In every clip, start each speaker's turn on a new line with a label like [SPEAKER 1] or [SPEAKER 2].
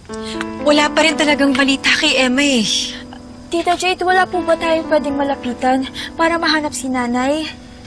[SPEAKER 1] Wala pa rin talagang balita kay Emma eh.
[SPEAKER 2] Tita Jade, wala po ba tayong pwedeng malapitan para mahanap si nanay?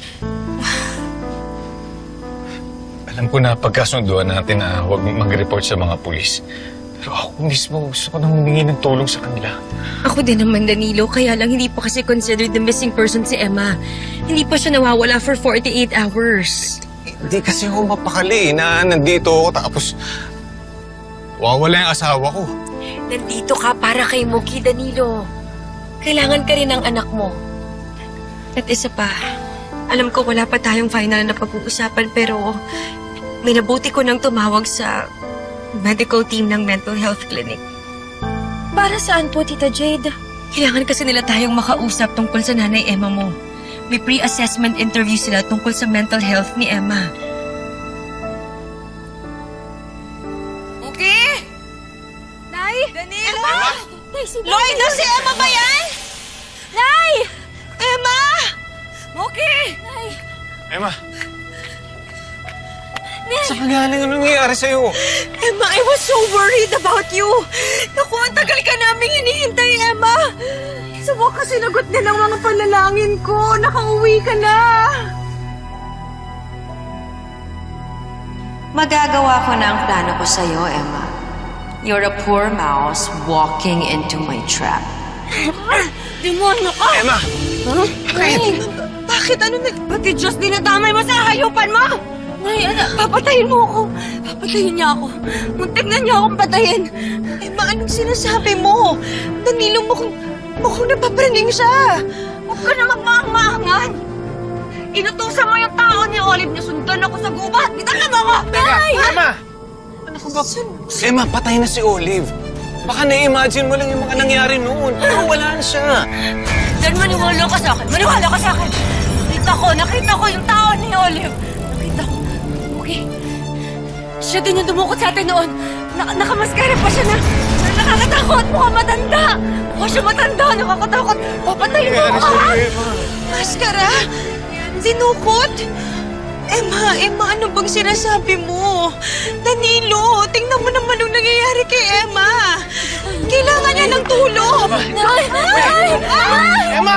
[SPEAKER 3] Alam ko na pagkasunduan natin na huwag mag-report sa mga pulis. Pero ako mismo gusto ko nang humingi ng tulong sa kanila.
[SPEAKER 1] Ako din naman, Danilo. Kaya lang hindi pa kasi considered the missing person si Emma. Hindi pa siya nawawala for 48 hours.
[SPEAKER 3] Hindi kasi ako mapakali na nandito ako tapos wawala yung asawa ko.
[SPEAKER 1] Nandito ka para kay Muki, Danilo. Kailangan ka rin ng anak mo. At isa pa, alam ko wala pa tayong final na pag-uusapan pero may nabuti ko nang tumawag sa medical team ng mental health clinic.
[SPEAKER 2] Para saan po, Tita Jade?
[SPEAKER 1] Kailangan kasi nila tayong makausap tungkol sa nanay Emma mo. May pre-assessment interview sila tungkol sa mental health ni Emma.
[SPEAKER 4] Okay?
[SPEAKER 2] Nay!
[SPEAKER 4] Danilo?
[SPEAKER 2] Emma! Nay, si
[SPEAKER 4] Lloyd, na si Emma ba yan?
[SPEAKER 2] Nay!
[SPEAKER 4] Emma! Okay!
[SPEAKER 2] Nay!
[SPEAKER 3] Emma! Saan ka galing? Anong nangyayari sa'yo?
[SPEAKER 1] Emma, I was so worried about you. Naku, ang tagal ka naming hinihintay, Emma.
[SPEAKER 4] Sa wakas sinagot na ng mga panalangin ko. Nakauwi ka na.
[SPEAKER 5] Magagawa ko na ang plano ko sa'yo, Emma. You're a poor mouse walking into my trap.
[SPEAKER 4] Demonyo ka!
[SPEAKER 3] Emma!
[SPEAKER 4] Nay! Bakit? Ano na? Pati Diyos dinadamay mo sa hayupan mo! Nay, papatayin mo ako. Papatayin niya ako. Muntik na niya akong patayin.
[SPEAKER 1] Emma, anong sinasabi mo? Danilo, mukhang napapraning siya.
[SPEAKER 4] Huwag ka na magmaang-maangan. Inutusan mo yung tao ni Olive na sundan ako sa gubat. Bitawan mo ako! Nay!
[SPEAKER 3] Emma! Ano ka ba? Emma, patay na si Olive. Baka na-imagine mo lang yung mga nangyari noon. Pero wala na siya.
[SPEAKER 4] Dan, maniwala ka sa akin. Maniwala ka sa akin. Nakita ko yung tao ni Olive. Nakita ko. Okay. Siya din yung dumukot sa atin noon. Nakamaskara pa siya na nakakatakot. Mukhang matanda. Mukha siya matanda. Nakakatakot. Papatayin mo ako.
[SPEAKER 1] Maskara? Dinukot? Emma, ano bang sinasabi mo? Danilo, tingnan mo naman ang nangyayari kay Emma. Kailangan niya ng tulong.
[SPEAKER 4] Nay! Nay!
[SPEAKER 3] Emma!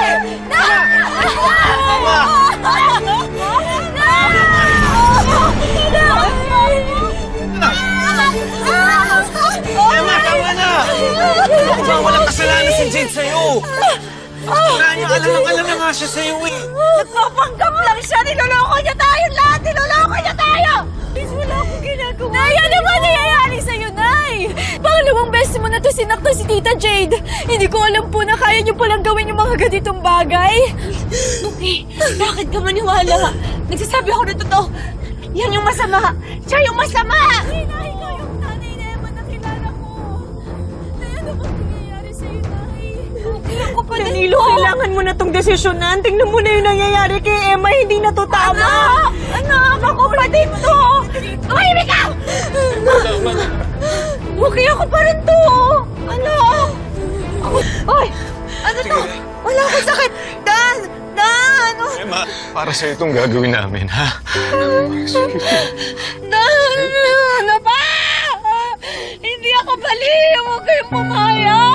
[SPEAKER 3] Emma, tama na! Diba, walang kasalanan si Jade sa'yo. Wala niya, alam na nga siya sa'yo eh.
[SPEAKER 4] Nagpapanggap lang siya! Niloloko niya tayo lahat! Niloloko niya tayo! Please, wala akong ginagawa. Nay, ano ba nangyayari sa'yo, Nay? Pangalawang beses mo na to sinaktan si Tita Jade. Hindi ko alam po na kaya niyo palang gawin yung mga ganitong bagay. Okay, bakit ka maniwala? Nagsasabi ako na totoo. Yan yung masama. Siya yung masama! Nay, ikaw yung nanay na Emma na kilala ko. Nay, ano bang nangyayari sa'yo, Nay? Okay, ako pa
[SPEAKER 1] Danilo, kailangan mo na tong desisyonan. Tingnan mo na yung nangyayari kay Emma. Hindi na to tama.
[SPEAKER 4] Anak! Ako pa dito! Tumahimik ka! Okay, ako pa rin to! Anak! Ay! Ano to? Wala akong sakit! Dan!
[SPEAKER 3] Emma, para sa'yo itong gagawin namin, ha?
[SPEAKER 4] Dan! Ano ba? Hindi ako baliw! Huwag kayong pumayag!